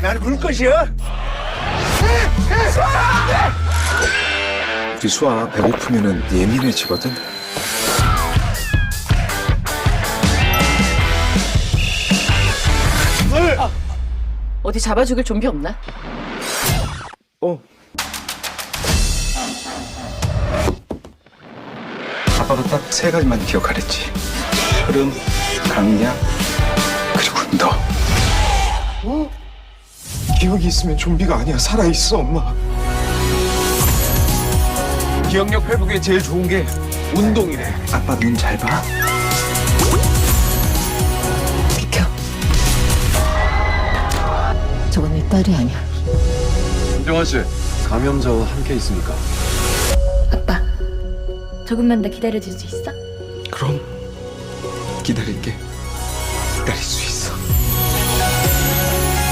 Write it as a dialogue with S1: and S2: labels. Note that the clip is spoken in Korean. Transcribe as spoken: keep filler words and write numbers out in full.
S1: 난 울 것이야.
S2: 우리 수아 배고프면은 예민해지거든.
S3: 어디 잡아 죽일 좀비 없나?
S2: 어. 아빠가 딱 세 가지만 기억하랬지. 흐름, 강약, 그리고 너. 어? 기억이 있으면 좀비가 아니야. 살아있어, 엄마. 기억력 회복에 제일 좋은 게 운동이래. 아빠 눈 잘 봐.
S3: 비켜. 저건 내 딸이 아니야.
S4: 김정환 씨, 감염자와 함께 있습니까?
S5: 아빠, 조금만 더 기다려줄 수 있어?
S2: 그럼 기다릴게. 기다릴 수